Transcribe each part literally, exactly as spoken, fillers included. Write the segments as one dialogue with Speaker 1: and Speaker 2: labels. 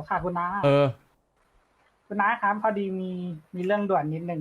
Speaker 1: ค่ะคุณน้า
Speaker 2: เออ
Speaker 1: คุณน้าครับพอดีมีมีเรื่องด่วนนิดนึง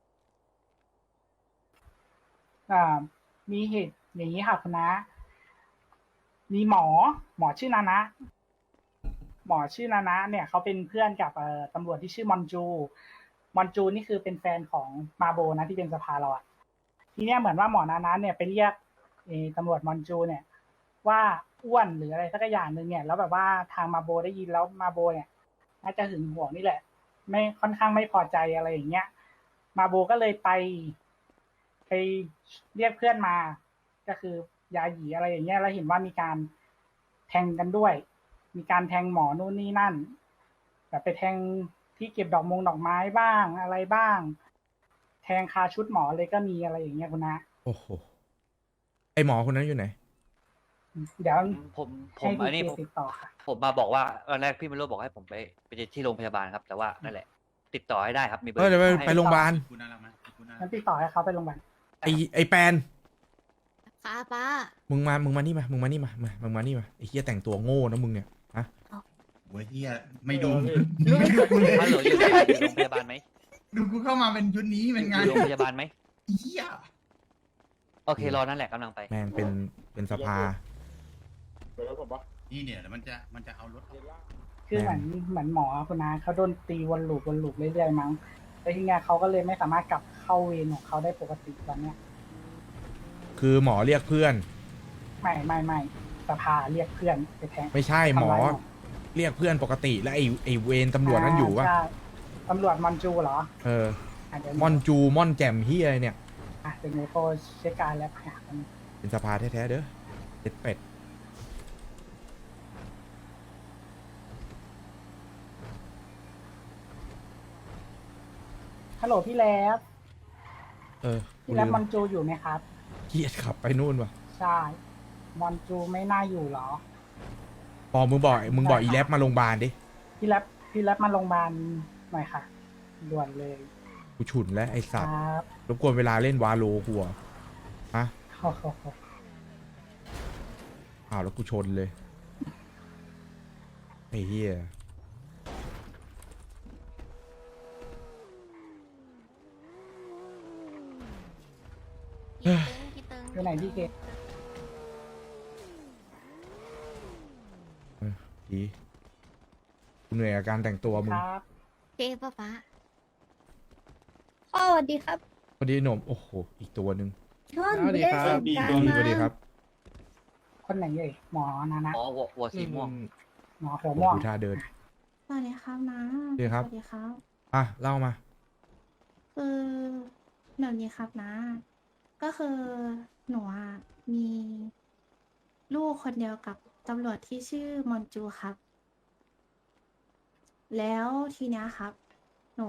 Speaker 1: อ่ามีเหตุอย่างนี้ค่ะคุณน้ามีหมอหมอชื่อนานะหมอชื่อนานะเนี่ยเขาเป็นเพื่อนกับเอ่อตำรวจที่ชื่อมอนจูมอนจูนี่คือเป็นแฟนของมาโบนะที่เป็นสภาเราอะทีเนี้ยเหมือนว่าหมอนานะเนี่ยไปเรียกเอ่อตำรวจมอนจูเนี่ยว่าอ้วนหรืออะไรสักอย่างหนึ่งเนี่ยแล้วแบบว่าทางมาโบได้ยินแล้วมาโบเนี่ยน่าจะหึงหวงนี่แหละไม่ค่อนข้างไม่พอใจอะไรอย่างเงี้ยมาโบก็เลยไปไปเรียกเพื่อนมาก็คือยาหยีอะไรอย่างเงี้ยแล้วเห็นว่ามีการแทงกันด้วยมีการแทงหมอนู่นนี่นั่นแบบไปแทงที่เก็บดอกมงดอกไม้บ้างอะไรบ้างแทงคาชุดหมอเลยก็มีอะไรอย่างเงี้ยคุณนะ
Speaker 2: โอ้โหไอหมอคนนั้นอยู่ไหน
Speaker 1: เดี๋ยว
Speaker 3: ผมผมผ
Speaker 1: ให้
Speaker 3: ม
Speaker 1: ทีเค
Speaker 3: อันนี้ผม
Speaker 1: ติดต่อค่ะ
Speaker 3: ผมมาบอกว่าตอนแรกพี่ไม่รู้บอกให้ผมไปไปที่โรงพยาบาลครับ แต่ว่านั่นแหละ ติดต่อให้ได้ครับ มีเบอ
Speaker 2: เออ
Speaker 3: ร์
Speaker 2: เดี๋ยวไป
Speaker 3: ให้
Speaker 2: ไปโรงพยาบาล
Speaker 4: กูน่ารักไหมกูน่ารั
Speaker 1: งั้
Speaker 4: ก
Speaker 1: นติดต่อให้เขาไปโรงพยาบาล
Speaker 2: ไอไอแปน
Speaker 5: ค่ะป้า
Speaker 2: มึงมามึงมานี่มามึงมานี่มามามึงมานี่มาไอเฮียแต่งตัวโง่นะมึงเนี่ยฮะ
Speaker 4: โอ้ยเฮียไม่ดู
Speaker 1: เออ
Speaker 4: ไม่ดูกูเลย
Speaker 3: ฮัลโหลอยู่อยู่โรงพยาบาลไหม
Speaker 4: ดูกูเข้ามาเป็นชุดนี้
Speaker 3: อ
Speaker 4: เป็น
Speaker 3: ยู่
Speaker 4: ไง
Speaker 3: อยู่โรงพยาบาลไหม
Speaker 4: เฮีย
Speaker 3: โอเครอนั่นแหละกำลังไป
Speaker 2: แม่งเป็นเป็นสภา
Speaker 4: นี่เนี่ยแล้วมันจะมันจะเอารถออก
Speaker 1: คือเหมือนเหมือนหมอคุณนาเขาโดนตีวนลูปวนลูปเรื่อยๆมั้งแล้วทีเนี้ยเขาก็เลยไม่สามารถกลับเข้าเวรของเขาได้ปกติตอนเนี้ย
Speaker 2: คือหมอเรียกเพื่อน
Speaker 1: ไม่ไม่ไม่สภาเรียกเพื่อนไปแทง
Speaker 2: ไม่ใช่หมอ
Speaker 1: ทำร้าย
Speaker 2: เรียกเพื่อนปกติแล้วไอไอเวรตำรวจนั่นอยู่วะ
Speaker 1: ใช่ตำรวจมอนจูเหรอ
Speaker 2: เออ
Speaker 1: อ่ะเดี๋ยว
Speaker 2: ม่อนจูม่อนแจ่มเฮียอะไรเนี่ย
Speaker 1: อ่ะเดี๋ยวหนูโทรเช็คการแล้วหากัน
Speaker 2: เป็นสภาแท้ๆเด้อเด็ดเป็ด
Speaker 1: ฮัลโหลพี่แล้บ
Speaker 2: เออกู
Speaker 1: พี่แล้
Speaker 2: ลื
Speaker 1: บ
Speaker 2: ม
Speaker 1: มอนจูอยู่ไหมครับ
Speaker 2: เกียดขับไปนู่นวะ
Speaker 1: ใช่มอนจูไม่น่าอยู่เหรอ
Speaker 2: ปอมึงบอกมึงบอกอีแลบมาโรงพยาบาลดิ
Speaker 1: พี่แล้บพี่แล้บมาโรงพยาบาลหน่อยค่ะด่วนเลย
Speaker 2: กูฉุนแล้วไอ
Speaker 1: ค
Speaker 2: สั
Speaker 1: รั
Speaker 2: ตว์
Speaker 1: บ
Speaker 2: รบกวนเวลาเล่นวาโลหัวฮะ
Speaker 1: โอ้โห
Speaker 2: อ้าวแล้วกูชนเลยไอ้เหี้ย
Speaker 5: พี่ตึงพี่ตึง
Speaker 1: อยู่ไหนพี่เกศ
Speaker 2: เออดีกูเหนื่อยกับการแต่งตัวมึ
Speaker 1: ค
Speaker 2: ง
Speaker 1: รับ
Speaker 5: เจ๊ป้าป้า
Speaker 6: พ่อสวัสดีครับ
Speaker 2: พอดีหนมโอ้โหอีกตัวหนึ่ง
Speaker 6: พ่อหนูได้ส่งการ
Speaker 2: ส
Speaker 6: มา
Speaker 2: วัสดีครับ
Speaker 1: คนไหนเอ่ยหมอนานะ
Speaker 3: อ๋อวัววัวสีม่วง
Speaker 1: หมอหัว
Speaker 2: ผม
Speaker 1: ม่วง
Speaker 2: ดูท่าเดิน
Speaker 6: สวัสดีครับนะ
Speaker 2: สวัสดีครับ
Speaker 6: สวัสดีครับ
Speaker 2: อ่ะเล่ามา
Speaker 6: คือเดี๋ยวนี้ครับนะ ก็คือหนูอะมีลูกคนเดียวกับตำรวจที่ชื่อมอนจูครับ แล้วทีเนี้ยครับ หนู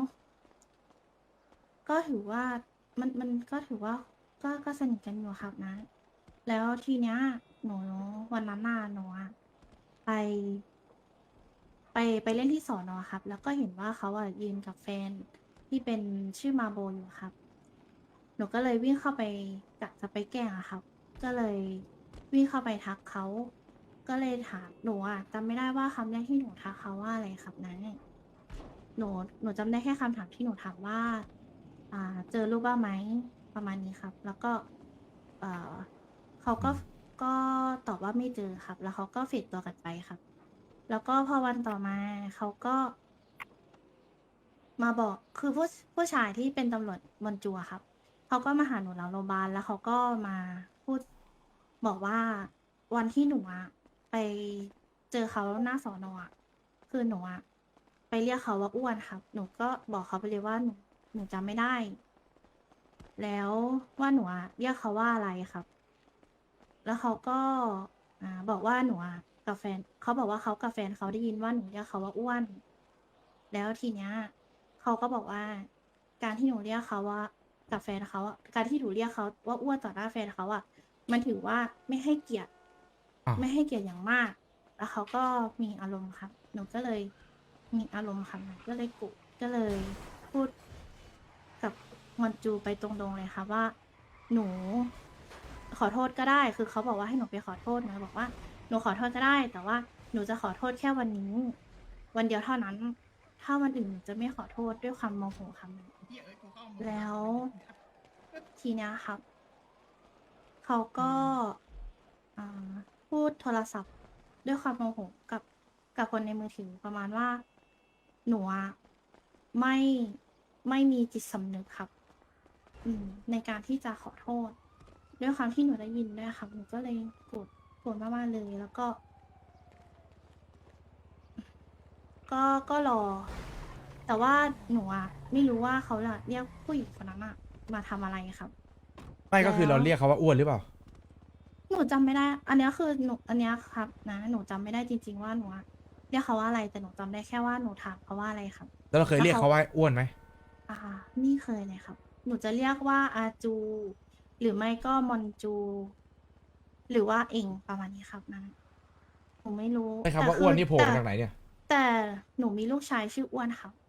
Speaker 6: ก็ถือว่ามันมันก็ถือว่าก็ก็สนิทกันอยู่ครับนะ แล้วทีเนี้ยหนูวันนั้นน่ะหนูอะไป ไปไปเล่นที่สอนอครับ แล้วก็เห็นว่าเขาอ่ะยืนกับแฟนที่เป็นชื่อมาโบอยู่ครับ หนูก็เลยวิ่งเข้าไปกะจะไปแกล้งอะครับ ก็เลยวิ่งเข้าไปทักเขา ก็เลยถามหนูอ่ะจำไม่ได้ว่าคำแรกที่หนูทักเขาว่าอะไรครับนะหนูหนูจำได้แค่คำถามที่หนูถามว่า อ่า เจอรูปบ้างไหมประมาณนี้ครับ แล้วก็ เอ่อเขาก็ก็ตอบว่าไม่เจอครับ แล้วเขาก็เฟดตัวกันไปครับ แล้วก็พอวันต่อมาเขาก็ มาบอกคือผู้ผู้ชายที่เป็นตำรวจบนจัวครับเขาก็มาหาหนูหลังโรงพยาบาลแล้วเขาก็มาพูดบอกว่าวันที่หนูอะไปเจอเขาหน้าสอนอะคือหนูอะไปเรียกเขาว่าอ้วนครับ หนูก็บอกเขาไปเลยว่าหนูหนูจำไม่ได้ แล้วว่าหนูอะเรียกเขาว่าอะไรครับ แล้วเขาก็อ่าบอกว่าหนูอะกับแฟนเขาบอกว่าเขากับแฟนเขาได้ยินว่าหนูเรียกเขาว่าอ้วน แล้วทีเนี้ยเขาก็บอกว่า การที่หนูเรียกเขาว่ากับแฟนเขาอะการที่หนูเรียกเขาว่าอ้วนต่อหน้าแฟนเขาอะมันถือว่าไม่ให้เกียรติ
Speaker 2: อ่ะ
Speaker 6: ไม่ให้เกียรติอย่างมาก แล้วเขาก็มีอารมณ์ครับ หนูก็เลยมีอารมณ์ครับหนูก็เลยกุก็เลยพูดกับมอนจูไปตรงๆเลยค่ะว่า หนูขอโทษก็ได้ คือเขาบอกว่าให้หนูไปขอโทษหนูบอกว่าหนูขอโทษก็ได้ แต่ว่าหนูจะขอโทษแค่วันนี้วันเดียวเท่านั้น ถ้าวันอื่นหนูจะไม่ขอโทษด้วยความโมโหครับ
Speaker 4: เหี้ยเอ้ยกูเข้ามา
Speaker 6: แล้ว ทีเนี้ยครับ เขาก็อ่าพูดโทรศัพท์ด้วยความโมโหกับกับคนในมือถือประมาณว่า หนูอะไม่ไม่มีจิตสำนึกครับ อืม ในการที่จะขอโทษ ด้วยความที่หนูได้ยินด้วยครับ หนูก็เลยโกรธโกรธมากๆเลย แล้วก็ ก็ก็รอ แต่ว่าหนูอะไม่รู้ว่าเขาจะเรียกผู้หญิงคนนั้นอะมาทำอะไรครับ
Speaker 2: ไม่ก็คือ
Speaker 6: แล้ว
Speaker 2: เราเรียกเขาว่าอ้วนหรือเปล่า
Speaker 6: หนูจำไม่ได้ อันเนี้ยคือหนูอันเนี้ยครับนะ หนูจำไม่ได้จริง ๆ ว่าหนูอะเรียกเขาว่าอะไร แต่หนูจำได้แค่ว่าหนูถามเขาว่าอะไรครับ
Speaker 2: แล้วเราเคยเรียกเขาว่าอ้วนไหม
Speaker 6: อ่านี่เคยเลยครับ หนูจะเรียกว่าอาจู หรือไม่ก็มอนจู หรือว่าเองประมาณนี้ครับนะผมไม่รู้
Speaker 2: ไอ้คำว่า
Speaker 6: แต่
Speaker 2: อ้วนนี่โผล่
Speaker 6: แต่
Speaker 2: มาจากไหนเนี่ย
Speaker 6: แต่หนูมีลูกชายชื่ออ้วนครับ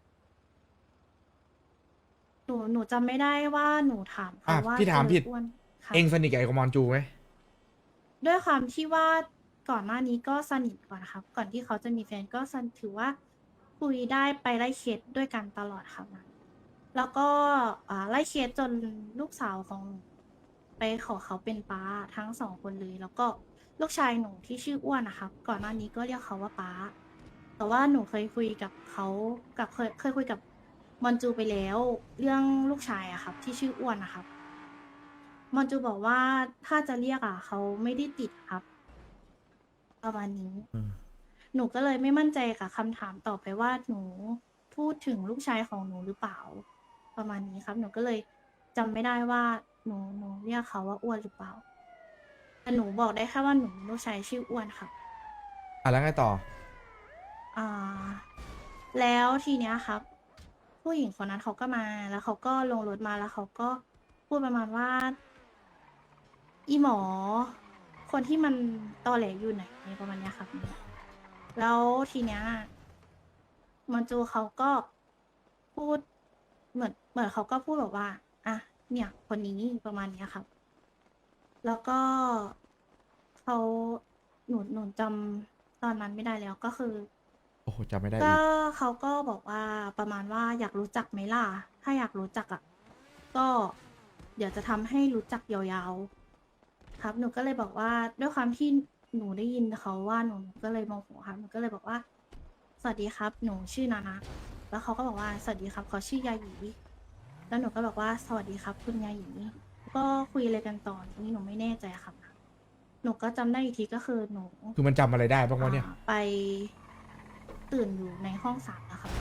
Speaker 6: หนูหนูจำไม่ได้ว่าหนูถามเขา
Speaker 2: อ่ะ
Speaker 6: ว่า
Speaker 2: พี่ถามผิด
Speaker 6: อ้วนครับ
Speaker 2: เองสนิทกับไอ้กมอนจูไหม
Speaker 6: ด้วยความที่ว่าก่อนหน้านี้ก็สนิทก่อนครับ ก่อนที่เขาจะมีแฟนก็สนถือว่าคุยได้ไปไล่เคสด้วยกันตลอดครับนะแล้วก็อ่าไล่เคสจนลูกสาวของหนูไปขอเขาเป็นป้าทั้งสองคนเลย แล้วก็ลูกชายหนูที่ชื่ออ้วนนะครับ ก่อนหน้านี้ก็เรียกเขาว่าป้า แต่ว่าหนูเคยคุยกับเขากับเคยเคยคุยกับมอนจูไปแล้ว เรื่องลูกชายอะครับ ที่ชื่ออ้วนนะครับ มอนจูบอกว่าถ้าจะเรียกอ่ะเขาไม่ได้ติดครับ ประมาณนี้
Speaker 2: อืม
Speaker 6: หนูก็เลยไม่มั่นใจกับคำถามต่อไปว่าหนูพูดถึงลูกชายของหนูหรือเปล่า ประมาณนี้ครับ หนูก็เลยจำไม่ได้ว่าหนูหนูเรียกเขาว่าอ้วนหรือเปล่า แต่หนูบอกได้แค่ว่าหนูมีลูกชายชื่ออ้วนครับ
Speaker 2: อ่ะแล้วไงต่อ
Speaker 6: อ่า แล้วทีเนี้ยครับ ผู้หญิงคนนั้นเขาก็มา แล้วเขาก็ลงรถมาแล้วเขาก็พูดประมาณว่า อีหมอ คนที่มันตอแหลอยู่ไหนประมาณเนี้ยครับ แล้วทีเนี้ยมอนจูเขาก็พูดเหมือนเหมือนเขาก็พูดแบบว่า อ่ะ เนี่ย คนนี้ประมาณเนี้ยครับ แล้วก็เขาหนูหนูจำตอนนั้นไม่ได้แล้วก็คือ
Speaker 2: โอ้โหจำไม่ได้
Speaker 6: ก็
Speaker 2: อีก
Speaker 6: เขาก็บอกว่าประมาณว่าอยากรู้จักไหมล่ะ ถ้าอยากรู้จักอ่ะ ก็เดี๋ยวจะทำให้รู้จักยาวๆ ครับ หนูก็เลยบอกว่าด้วยความที่หนูได้ยินเขาว่าหนูหนูก็เลยโมโหครับ หนูก็เลยบอกว่า สวัสดีครับ หนูชื่อนานะ แล้วเขาก็บอกว่าสวัสดีครับเขาชื่อยาหยี แล้วหนูก็บอกว่าสวัสดีครับ คุณยาหยี ก็คุยอะไรกันต่อนี่หนูไม่แน่ใจครับ หนูก็จำได้อีกทีก็คือหนู
Speaker 2: คือมันจำอะไรได้บ้างวะเนี่ย
Speaker 6: อ่าไปตื่นอยู่ในห้องสามนะครับ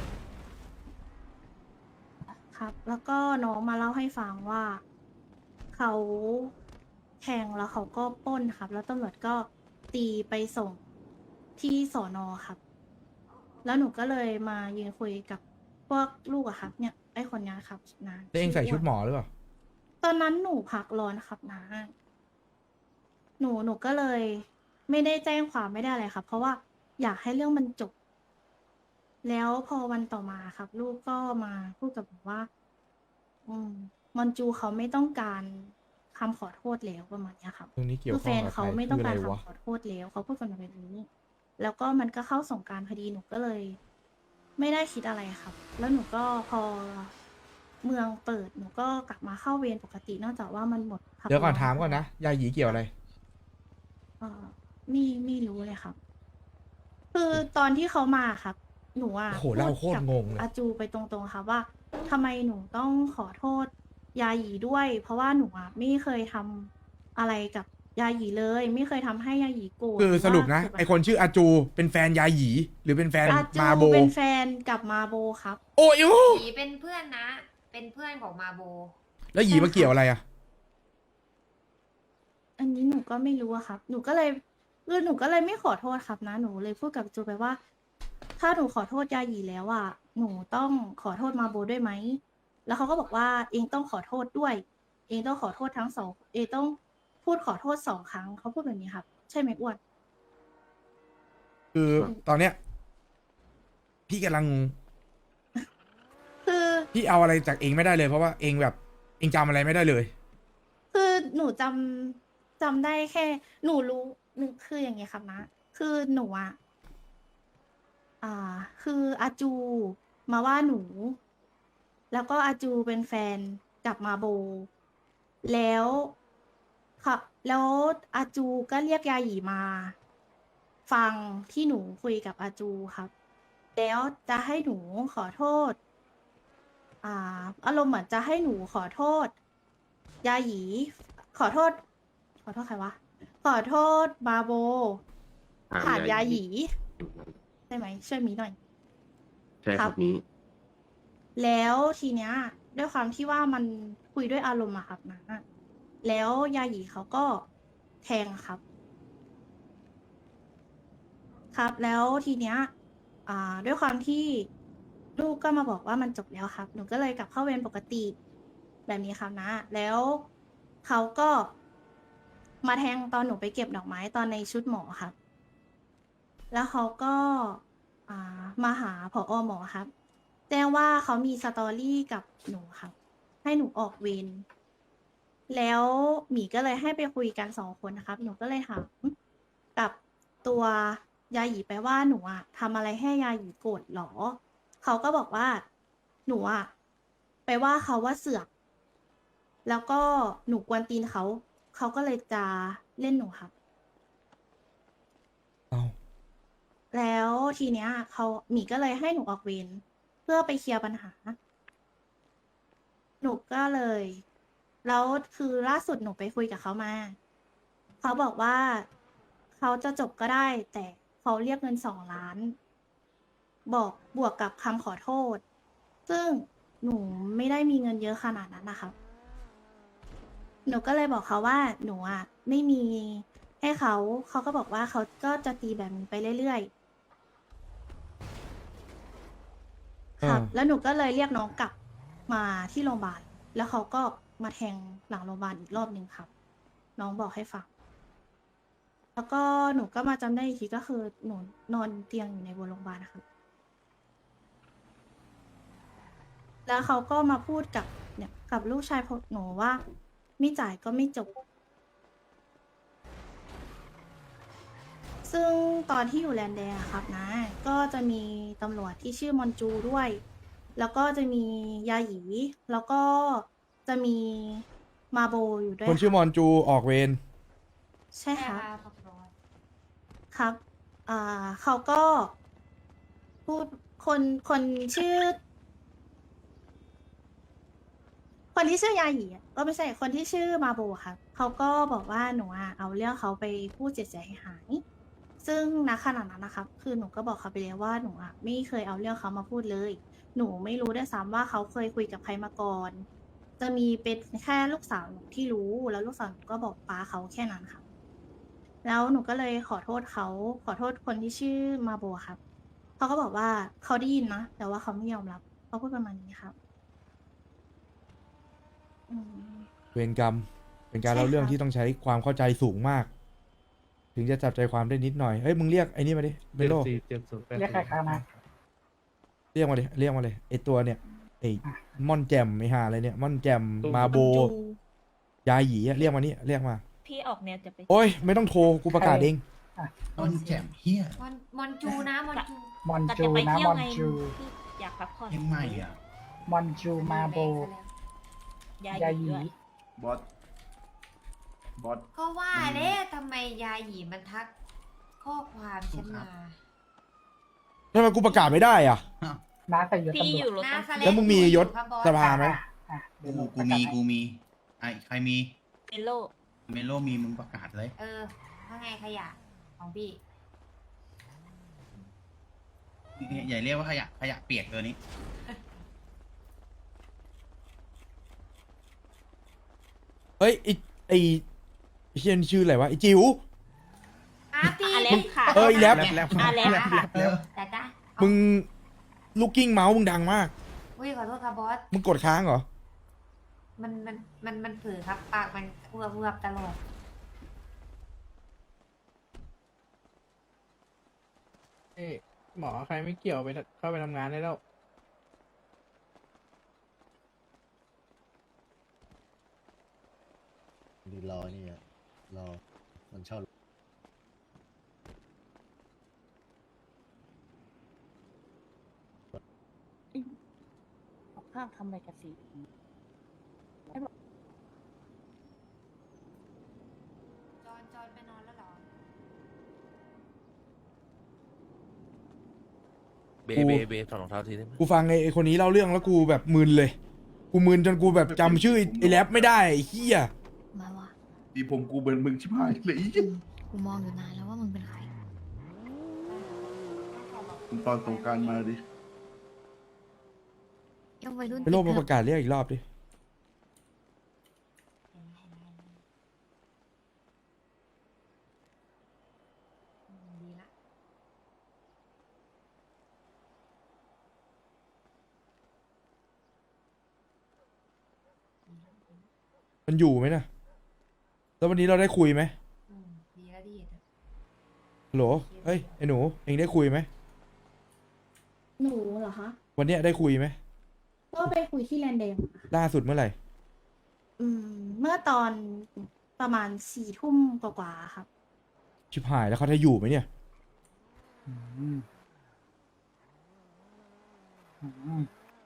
Speaker 6: ครับ แล้วก็น้องมาเล่าให้ฟังว่าเขาแทงแล้วเขาก็ปล้นครับ แล้วตำรวจก็ตีไปส่งที่สอนอครับ แล้วหนูก็เลยมายืนคุยกับพวกลูกอะครับ เนี่ยไอ้คนเนี้ยครับนะ
Speaker 2: แล้วเองใส่ชุดหม
Speaker 6: อ
Speaker 2: อหรือเปล่า
Speaker 6: ตอนนั้นหนูพักร้อนครับนะ หนูหนูก็เลยไม่ได้แจ้งความไม่ได้อะไรครับ เพราะว่าอยากให้เรื่องมันจบ แล้วพอวันต่อมาครับ ลูกก็มาพูดกับผมว่า อืม มอนจูเขาไม่ต้องการคำขอโทษแล้วประมาณเนี้ยครับ
Speaker 2: ตรงนี้เกี่ยว
Speaker 6: คือ
Speaker 2: ข้
Speaker 6: แฟ
Speaker 2: อง
Speaker 6: น
Speaker 2: กับใค
Speaker 6: เขา
Speaker 2: ร
Speaker 6: ไม่
Speaker 2: คื
Speaker 6: ต้อง
Speaker 2: ออะ
Speaker 6: การ
Speaker 2: ไรวะ
Speaker 6: คำขอโทษแล้วเขาพูดกันแบบนี้ แล้วก็มันก็เข้าสงกรารพอดีหนูก็เลย ไม่ได้คิดอะไรครับ แล้วหนูก็พอเมืองเปิดหนูก็กลับมาเข้าเวรปกตินอกจากว่ามันหมดพั
Speaker 2: เดี๋ยวก่อน
Speaker 6: ร้
Speaker 2: ถามก่อนนะ ยาหยีเกี่ยวอะไร
Speaker 6: เออไม่ไม่รู้เลยครับ คือตอนที่เขามาครับ หนูอ่ะ
Speaker 2: โอ้โหเล่าโคตร
Speaker 6: กับ
Speaker 2: งงเลย
Speaker 6: อาจูไปตรงๆครับว่าทำไมหนูต้องขอโทษ ยาหยีด้วย เพราะว่าหนูอ่ะไม่เคยทำอะไรกับยาหยีเลย ไม่เคยทำให้ยาหยีโกรธ
Speaker 2: คือ
Speaker 6: หว่า
Speaker 2: สรุปนะ
Speaker 6: เกิดปัญหา
Speaker 2: ไอคนชื่ออาจู เป็นแฟนยาหยี หรือเป็นแฟน
Speaker 6: อาจู
Speaker 2: มาโบ
Speaker 6: เป็นแฟนกับมาโบครับ
Speaker 2: โอ้ยโอ้
Speaker 7: หยีเป็นเพื่อนนะ เป็นเพื่อนของมาโบ
Speaker 2: แล้วหยีมาเกี่ยวอะไรอ่ะ
Speaker 6: อันนี้หนูก็ไม่รู้อะครับ หนูก็เลยคือหนูก็เลยไม่ขอโทษครับนะ หนูเลยพูดกับจูไปว่า ถ้าหนูขอโทษยาหยีแล้วอะหนูต้องขอโทษมาโบด้วยไหม แล้วเขาก็บอกว่าเองต้องขอโทษด้วย เองต้องขอโทษทั้งสอง เองต้องพูดขอโทษสองครั้ง เขาพูดแบบนี้ครับ ใช่ไหมอ้วน
Speaker 2: คือตอนเนี้ย พี่กำลังงง
Speaker 6: คือ
Speaker 2: พี่เอาอะไรจากเองไม่ได้เลย เพราะว่าเองแบบ เองจำอะไรไม่ได้เลย
Speaker 6: คือหนูจำจำได้แค่ หนูรู้หนึ่งคืออย่างเงี้ยครับนะ คือหนูอะอ่า คืออาจูมาว่าหนู แล้วก็อาจูเป็นแฟนกับมาโบ แล้วค่ะแล้วอาจูก็เรียกยาหยีมา ฟังที่หนูคุยกับอาจูครับ แล้วจะให้หนูขอโทษ อ่า อารมณ์เหมือนจะให้หนูขอโทษ ยาหยี ขอโทษ ขอโทษใครวะ ขอโทษมาโบ ผ่านยาหยี ใช่ไหมช่วยมีหน่อย
Speaker 8: ใช่ครับนี้
Speaker 6: แล้วทีเนี้ยด้วยความที่ว่ามันคุยด้วยอารมณ์อะครับนะแล้วยาหยีเขาก็แทงครับ ครับ แล้วทีเนี้ยอ่า ด้วยความที่ลูกก็มาบอกว่ามันจบแล้วครับ หนูก็เลยกลับเข้าเวรปกติแบบนี้ครับนะ แล้วเขาก็มาแทงตอนหนูไปเก็บดอกไม้ตอนในชุดหมอครับ แล้วเขาก็อ่ามาหาผอหมอครับ แจ้งว่าเขามีสตอรี่กับหนูครับ ให้หนูออกเวร แล้วหมีก็เลยให้ไปคุยกันสองคนนะครับ หนูก็เลยถามกับตัวยาหยีไปว่าหนูอะทำอะไรให้ยาหยีโกรธหรอ เขาก็บอกว่าหนูอะไปว่าเขาว่าเสือก แล้วก็หนูกวนตีนเขา เขาก็เลยจะเล่นหนูครับ
Speaker 2: เอา
Speaker 6: แล้วทีเนี้ยเขาหมีก็เลยให้หนูออกเวรเพื่อไปเคลียร์ปัญหา หนูก็เลย แล้วคือล่าสุดหนูไปคุยกับเขามา เขาบอกว่าเขาจะจบก็ได้ แต่เขาเรียกเงินสองล้าน บอกบวกกับคำขอโทษ ซึ่งหนูไม่ได้มีเงินเยอะขนาดนั้นนะครับ หนูก็เลยบอกเขาว่าหนูอ่ะไม่มีให้เขา เขาก็บอกว่าเขาก็จะตีแบบนี้ไปเรื่อยๆ ครับ
Speaker 2: อ่า
Speaker 6: แล้วหนูก็เลยเรียกน้องกลับมาที่โรงพยาบาล แล้วเขาก็มาแทงหลังโรงพยาบาลอีกรอบหนึ่งครับ น้องบอกให้ฟัง แล้วก็หนูก็มาจำได้อีกทีก็คือหนูนอนเตียงอยู่ในบนโรงพยาบาลนะครับ แล้วเขาก็มาพูดกับเนี่ยกับลูกชายของหนูว่าไม่จ่ายก็ไม่จบ ซึ่งตอนที่อยู่แลนด์แดงอะครับนะ ก็จะมีตำรวจที่ชื่อมอนจูด้วย แล้วก็จะมียาหยี แล้วก็จะมีมาโบอยู่ด้วย
Speaker 2: คนชื่อมอนจูออกเวร
Speaker 6: ใช่ครับ
Speaker 7: ขอบคุณ
Speaker 6: ครับ อ่า เขาก็พูด คน คนชื่อ คนที่ชื่อยาหยีอะก็ไม่ใช่ คนที่ชื่อมาโบครับ เขาก็บอกว่าหนูอะเอาเรื่องเขาไปพูดเสียหาย ซึ่งณขณะนั้นนะครับ คือหนูก็บอกเขาไปแล้วว่าหนูอะไม่เคยเอาเรื่องเขามาพูดเลย หนูไม่รู้ด้วยซ้ำว่าเขาเคยคุยกับใครมาก่อน จะมีเป็นแค่ลูกสาวหนูที่รู้ แล้วลูกสาวหนูก็บอกป้าเขาแค่นั้นค่ะ แล้วหนูก็เลยขอโทษเขา ขอโทษคนที่ชื่อมาโบครับ เขาก็บอกว่าเขาได้ยินนะ แต่ว่าเขาไม่ยอมรับ เขาพูดประมาณนี้ครับ อืม
Speaker 2: เวรกรรม เป็นการ
Speaker 6: ใช่
Speaker 2: เล่าเรื่อง
Speaker 6: ครับ
Speaker 2: ที่ต้องใช้ความเข้าใจสูงมาก ถึงจะจับใจความได้นิดหน่อย เฮ้ย มึงเรียกไอ้นี่มาดิเมโล
Speaker 1: เรียกใครครับนะ
Speaker 2: เรียกมาดิ เรียกมาเลย ไอตัวเนี่ย ไอม่อนแจมไอห่าอะไรเนี่ย ม่อนแจม มาโบ ยาหยีอะเรียกมานี่ เรียกมา
Speaker 9: พี่ออกแนวจะไป
Speaker 2: โอ้ย ไม่ต้องโทร กูประกาศเอง
Speaker 4: ต้นแจ่มเฮีย
Speaker 7: มอนมอนจูนะมอนจู
Speaker 1: มอน
Speaker 9: ก็
Speaker 1: จู
Speaker 9: จะไป
Speaker 1: นะ
Speaker 9: เที่ยว
Speaker 1: มอน
Speaker 9: ไง
Speaker 1: จู
Speaker 9: พี่อยากพักผ่อน
Speaker 4: ยังไม่อ่ะ
Speaker 1: มอนจูมาโบ
Speaker 9: ยาย
Speaker 1: า
Speaker 9: ห
Speaker 1: ห
Speaker 9: ยี
Speaker 1: ยี
Speaker 9: ด้วย
Speaker 8: บอส บอส
Speaker 7: ก็ว่าเด้ทำไมยาหยีมันทักข้อความฉันมา
Speaker 2: ทำไมกูประกาศไม่ได้อ่ะ
Speaker 1: น้าใส่ยศ
Speaker 9: พี่
Speaker 1: ตำร
Speaker 9: อ
Speaker 1: วจ
Speaker 9: ยู่รถ
Speaker 7: หน้า
Speaker 9: ตำรวจ
Speaker 7: สเล
Speaker 2: แล้วมึงมียศ
Speaker 7: ครับบอส
Speaker 2: สภาไหม
Speaker 1: อ่ะเดี๋ยวห
Speaker 4: กู
Speaker 1: นู
Speaker 4: กู
Speaker 1: ประ
Speaker 4: มี
Speaker 1: กาศให้
Speaker 4: กูมีไอใครมี
Speaker 9: เมโล
Speaker 4: เมโลมีมึงประกาศเลย
Speaker 7: เออว่าไงขยะของพี่
Speaker 4: อย่าเรียกว่าขยะขยะเปียกตัวนี้
Speaker 2: เฮ้ย ไอไอไอ้เชียนชื่ออะไรวะ ไอจิ๋ว
Speaker 7: อ่ะพี่
Speaker 9: อาแลปค่ะ
Speaker 2: เอออีแลป
Speaker 9: อาแลป
Speaker 4: เออ
Speaker 7: แต่จ้ะ
Speaker 2: มึงลูกกิ้งเมาส์มึงดังมาก
Speaker 7: อุ้ยขอโทษครับบอส
Speaker 2: มึงกดค้างเหรอ
Speaker 7: มันมันมันมันเผือครับ ปากมันเวือบเวือบตลอด
Speaker 10: เอ้ยหมอใครไม่เกี่ยวไปทเข้าไปทำงานได้แล้ว
Speaker 11: ดีรอนี่อะรอ มันชอบ
Speaker 9: ข้างทำอะไรกันสิ
Speaker 7: จอนจอนไปนอนแล้วเหรอ
Speaker 2: เบเบเบถอดรองเท้าทีได้ไหมกูฟังไอ้ไอ้คนนี้เล่าเรื่องแล้วกูแบบมึนเลย กูมึนจนกูแบบจำชื่อไอ้ไอ้แรปไม่ได้ไอ้เหี้ย
Speaker 5: มาว่ะ
Speaker 8: ดีผมกูเป็นมึงชิบหายเลย
Speaker 5: อืมกูมองอยู่นานแล้วว่ามึงเป็นใคร
Speaker 8: มึงตอนสงกรารมาดิ
Speaker 5: ยังวัยรุ่น
Speaker 2: ไปโลกมา
Speaker 5: ติด
Speaker 2: ป
Speaker 5: เถ
Speaker 2: ระกาศเรียกอีกรอบดิ
Speaker 7: ดีละ
Speaker 2: มันอยู่ไหมนะแล้ววันนี้เราได้คุยไหม
Speaker 7: อืมดีละดีละ
Speaker 2: ฮัลโหลเฮ้ยไอ้หนูเองได้คุยไหม
Speaker 6: หนูเหรอคะ
Speaker 2: วันเนี้ยได้คุยไหม
Speaker 6: ก็ไปคุยที่แลนเดม
Speaker 2: ล่าสุดเมื่อไหร่
Speaker 6: อืม เมื่อตอนประมาณสี่ทุ่มกว่าๆครับ
Speaker 2: ชิบหายแล้วเขาจะอยู่ไหมเนี่ย
Speaker 1: อืมอืม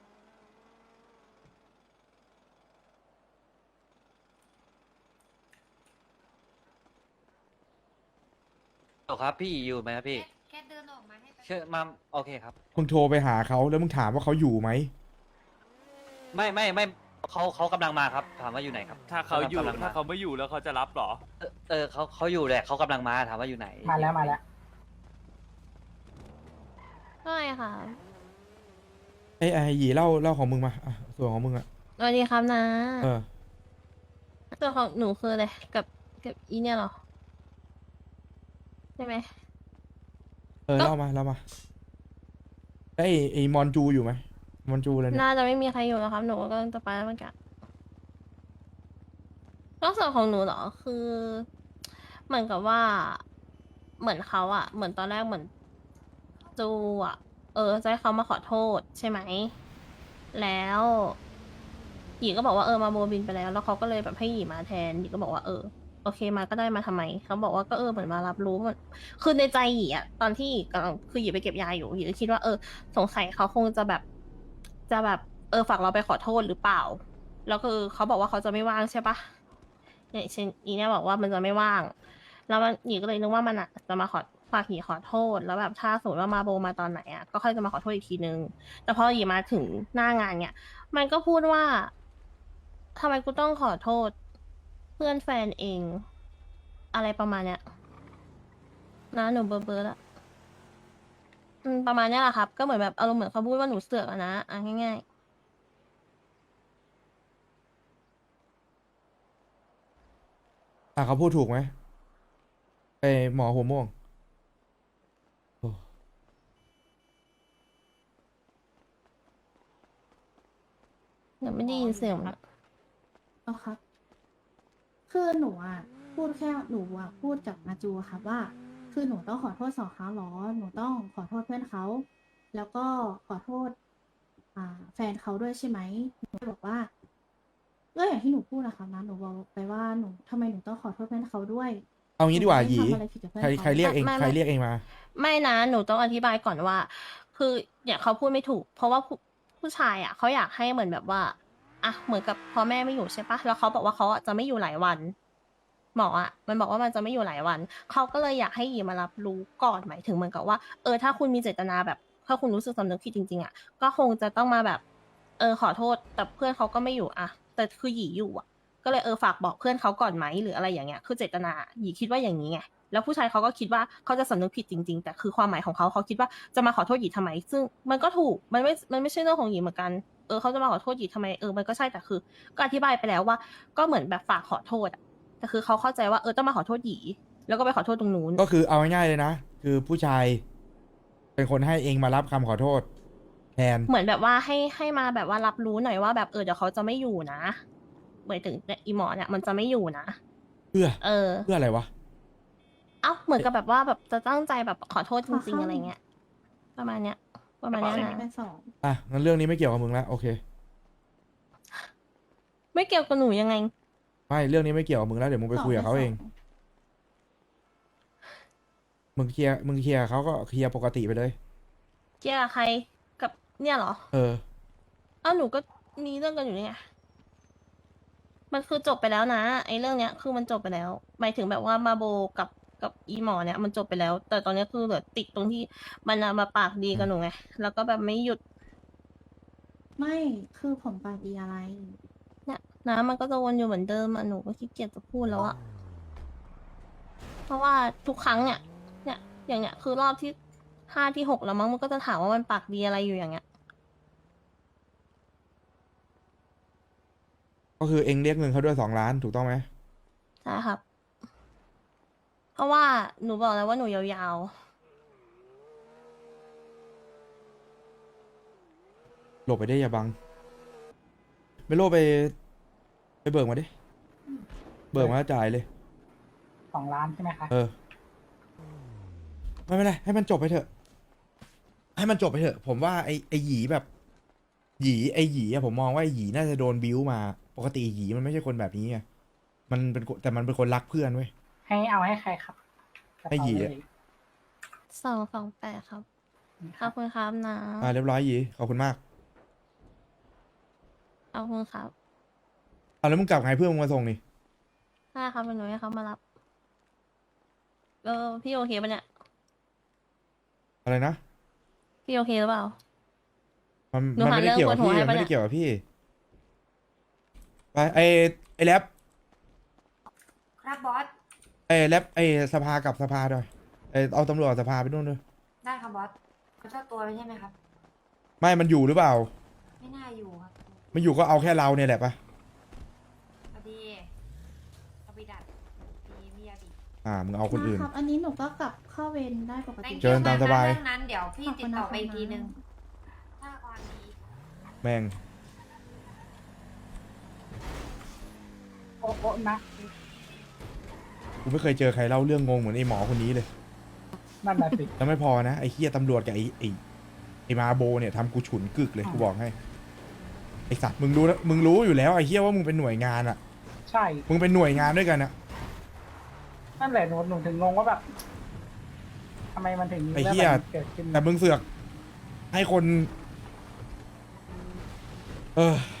Speaker 3: โอครับพี่อยู่ไหมครับพี่
Speaker 7: แค่แค่เดินออกมาให้แป๊บ
Speaker 3: เชื่อมาโอเคครับ
Speaker 2: มึงโทรไปหาเขาแล้วมึงถามว่าเขาอยู่ไหม
Speaker 3: ไม่ไม่ไม่เขาเขากำลังมาครับ ถามว่าอยู่ไหนครับ
Speaker 12: ถ้าเขาอยู่
Speaker 3: กำลัง
Speaker 12: ถ้าเขาไม่อยู่แล้วเขาจะรับเหรอ
Speaker 3: เออเออเขาเขาอยู่แหละเขากำลังมาถามว่าอยู่ไหน
Speaker 1: มาแล้วมาแล้ว
Speaker 5: ใช่ค่ะ
Speaker 2: ไอ้ไอ้หยีเล่าเล่าของมึงมาอ่ะส่วนของมึงอ่ะ
Speaker 5: สวัสดีครับนะ
Speaker 2: เออ
Speaker 5: ตัวของหนูคืออะไรกับกับอีเนี่ยเหรอ ใช่ไหม
Speaker 2: เออ
Speaker 5: ก็
Speaker 2: เล่ามาเล่ามาไอ้ไอ้มอนจูอยู่ไหมมอนจูอะไรเนี่ย
Speaker 5: น่าจะไม่มีใครอยู่แล้วครับ หนูก็กำลังจะไปแล้วเหมือนกันก็ส่วนของหนูเหรอ คือ เหมือนกับว่า เหมือนเขาอะเหมือนตอนแรกเหมือนจูอะเออจะให้เขามาขอโทษใช่ไหม แล้วหยีก็บอกว่าเออมาโบบินไปแล้ว แล้วเขาก็เลยแบบให้หยีมาแทนหยีก็บอกว่าเออโอเคมาก็ได้มาทำไมเขาบอกว่าก็เออเหมือนมารับรู้มันคือในใจหยีอะตอนที่หยีกำลังคือหยีไปเก็บยาอยู่หยีก็คิดว่าเออสงสัยเขาคงจะแบบ จะแบบเออฝากเราไปขอโทษหรือเปล่า แล้วคือเขาบอกว่าเขาจะไม่ว่างใช่ปะเนี่ยเช่นอีเนี่ยบอกว่ามันจะไม่ว่าง แล้วมันหยีก็เลยนึกว่ามันอ่ะจะมาขอฝากหยีขอโทษ แล้วแบบถ้าสมมติว่ามาโบมาตอนไหนอ่ะก็ค่อยจะมาขอโทษอีกทีนึง แต่พอหยีมาถึงหน้างานเนี่ยมันก็พูดว่าทำไมกูต้องขอโทษ เพื่อนแฟนเอง อะไรประมาณเนี้ยนะหนูเบอร์เบอร์ละอืมประมาณเนี้ยแหละครับ ก็เหมือนแบบอารมณ์เหมือนเขาพูดว่าหนูเสือกอะนะอ่ะง่ายๆ
Speaker 2: อ่ะเขาพูดถูกไหมไอ้หมอหัวม่วงโอ้
Speaker 5: หนูไม่ได้ยินเสียงมันอะ
Speaker 6: เอาครับ คือหนูอ่ะพูดแค่หนูอ่ะพูดกับอาจูอะค่ะว่า คือหนูต้องขอโทษสองครั้งหรอ หนูต้องขอโทษเพื่อนเขา แล้วก็ขอโทษ อ่า แฟนเขาด้วยใช่ไหมหนูก็บอกว่าก็อย่างที่หนูพูดอะค่ะนะหนูบอกไปว่าหนูทำไมหนูต้องขอโทษเพื่อนเขาด้วย
Speaker 2: เอางี้ดีกว่าหยี
Speaker 6: นูไม่ได้ทำอะไรผิดกับเพื่อน
Speaker 2: ใคร
Speaker 6: เขา
Speaker 2: ใครเรียกเอง
Speaker 5: ไม่ไม่
Speaker 2: ใครเรียกเองมา
Speaker 5: ไม่นะหนูต้องอธิบายก่อนว่า คือเนี่ยเขาพูดไม่ถูก เพราะว่าผู้ผู้ชายอ่ะเขาอยากให้เหมือนแบบว่าอ่ะเหมือนกับพ่อแม่ไม่อยู่ใช่ปะแล้วเขาบอกว่าเขาอะจะไม่อยู่หลายวัน หมออ่ะมันบอกว่ามันจะไม่อยู่หลายวันเขาก็เลยอยากให้หยีมารับรู้ก่อนหมายถึงเหมือนกับว่าเออถ้าคุณมีเจตนาแบบถ้าคุณรู้สึกสำนึกผิดจริงๆอ่ะก็คงจะต้องมาแบบ เออขอโทษแต่เพื่อนเขาก็ไม่อยู่อ่ะแต่คือหยีอยู่อ่ะ ก็เลยเออฝากบอกเพื่อนเขาก่อนไหมหรืออะไรอย่างเงี้ยคือเจตนาหยีคิดว่าอย่างนี้ไงแล้วผู้ชายเขาก็คิดว่าเขาจะสำนึกผิดจริงๆแต่คือความหมายของเขาเขาคิดว่าจะมาขอโทษหยีทำไม ซึ่งมันก็ถูกมันไม่มันไม่ใช่เรื่องของหยีเหมือนกันเออเขาจะมาขอโทษหยีทำไมเออมันก็ใช่แต่คือ ก็อธิบายไปแล้วว่า ก็เหมือนแบบฝากขอโทษอะแต่คือเขาเข้าใจว่าเออต้องมาขอโทษหยีแล้วก็ไปขอโทษตรงนู้น
Speaker 2: ก็คือเอาง่ายๆเลยนะ คือผู้ชาย เป็นคนให้เองมารับคำขอโทษ แทน
Speaker 5: เหมือนแบบว่าให้ให้มาแบบว่ารับรู้หน่อยว่าแบบเออเดี๋ยวเขาจะไม่อยู่นะหมายถึงอีหมอเนี่ยมันจะไม่อยู่นะ
Speaker 2: เพื่อ
Speaker 5: เออ
Speaker 2: เพื่ออะไรวะ
Speaker 5: เอ้าเหมือนกับแบบว่าแบบจะตั้งใจแบบขอโทษจริงๆอะไรเงี้ยประมาณเนี้ย ประมาณเนี้ยนะ
Speaker 6: เป็นสอง
Speaker 2: อ่ะงั้นเรื่องนี้ไม่เกี่ยวกับมึงแล้วโอเค
Speaker 5: ไม่เกี่ยวกับหนูยังไง
Speaker 2: ไม่เรื่องนี้ไม่เกี่ยวกับมึงแล้วเดี๋ยวมึงไปคุยกับเขาเอง มึงเคลียร์มึงเคลียร์กับเขาก็เคลียร์ปกติไปเลย
Speaker 5: เกี่ยวกับใครกับเนี่ยเหรอ
Speaker 2: เออ
Speaker 5: เอ้าหนูก็มีเรื่องกันอยู่นี่ไงมันคือจบไปแล้วนะไอ้เรื่องเนี้ยคือมันจบไปแล้วหมายถึงแบบว่ามาโบกับกับอีหมอเนี่ยมันจบไปแล้ว แต่ตอนเนี้ยคือเหลือติดตรงที่มันอะมาปากดีกับหนูไงแล้วก็แบบไม่หยุด
Speaker 6: ไม่คือผมปากดีอะไร
Speaker 5: เนี่ยนะมันก็จะวนอยู่เหมือนเดิมอะหนูก็ขี้เกียจจะพูดแล้วอะเพราะว่าทุกครั้งเนี่ย เนี่ย อย่างเนี้ยคือรอบที่ห้าที่หกแล้วมั้งมันก็จะถามว่ามันปากดีอะไรอยู่อย่างเงี้ย
Speaker 2: ก็คือเองเรียกเงินเขาด้วยสองล้านถูกต้องไหม
Speaker 5: ใช่ครับ เพราะว่าหนูบอกแล้วว่าหนูยาว
Speaker 2: หลบไปได้อย่าบังเมโลไป ไปเบิกมาดิ เบิกมาแล้วจ่ายเลย
Speaker 1: สองล้านใช่ไหมคะ
Speaker 2: เออ ไม่เป็นไรให้มันจบไปเถอะ ให้มันจบไปเถอะ ผมว่าไอไอหยีแบบ หยีไอหยีอะผมมองว่าไอหยีน่าจะโดนบิ้วมา ปกติหยีมันไม่ใช่คนแบบนี้ไงมันเป็นคนแต่มันเป็นคนรักเพื่อนเว้ย
Speaker 1: ให้เอาให้ใครครับ
Speaker 2: ให้หยีอะ
Speaker 5: ๆสองสองแปดครับ ขอบคุณครับนะ
Speaker 2: อ่าเรียบร้อยหยีขอบคุณมาก
Speaker 5: ขอบคุณครับ
Speaker 2: อ่าแล้วมึงกลับไงเพื่อนมึงมาส่งนี่
Speaker 5: ได้ครับเป็นหนูให้เขามารับ เออพี่โอเคปะเนี่ย
Speaker 2: อะไรนะ
Speaker 5: พี่โอเคหรือเปล่า
Speaker 2: มัน
Speaker 5: หนู
Speaker 2: มัน
Speaker 5: หา
Speaker 2: ไม่ได้เกี่ยวกับ
Speaker 5: เรื่องปวดหัว
Speaker 2: พี่
Speaker 5: ให้
Speaker 2: มัน
Speaker 5: ปะ
Speaker 2: ไม่
Speaker 5: เนี่ย
Speaker 2: ได้เกี่ยวกับพี่ไปไอไอแรป
Speaker 7: ครับบอส
Speaker 2: ไอแรปไอสภากับสภาด้วยไอเอาตำรวจกับสภาไปนู่นด้วย
Speaker 7: ได้ครับบอสเขาเจ้าตัวไม่ใช่ไหมครับ
Speaker 2: ไม่มันอยู่หรือเปล่า
Speaker 7: ไม่น่าอยู่ครับ
Speaker 2: มันอยู่ก็เอาแค่เราเนี่ยแหละปะ
Speaker 7: พอดีเอาไปดัดมีมียาบี
Speaker 2: อ่ามึงเอาคนอื่น
Speaker 6: ครับ อันนี้หนูก็กลับเข้าเวรได้ปกติ
Speaker 7: Thank you
Speaker 2: เชิญตามสบาย
Speaker 7: เรื่องนั้นเดี๋ยวพี่ติดต่อไปอีกทีนึง ถ้าความดี
Speaker 2: แม่ง
Speaker 1: โอ้โอ้นะ
Speaker 2: กูไม่เคยเจอใครเล่าเรื่องงงเหมือนไอหมอคนนี้เลย
Speaker 1: นั่นแหละสิ
Speaker 2: แล้วไม่พอนะไอ้เฮียตำรวจกับไอ้ไอ้ไอ้มาโบเนี่ยทำกูฉุนกึกเลยกูบอกให้ไอ้สัตว์มึงรู้นะมึงรู้อยู่แล้วไอ้เฮียว่ามึงเป็นหน่วยงานอ่ะ
Speaker 1: ใช่
Speaker 2: มึงเป็นหน่วยงานด้วยกันอ่ะ
Speaker 1: นั่นแหละหนูหนูถึงงงว่าแบบทำไมมันถึงมี
Speaker 2: ไอ้
Speaker 1: เรื่อง
Speaker 2: เหี้ย
Speaker 1: แบบนี้เกิดขึ้น
Speaker 2: แต่มึงเสือกให้คน เออ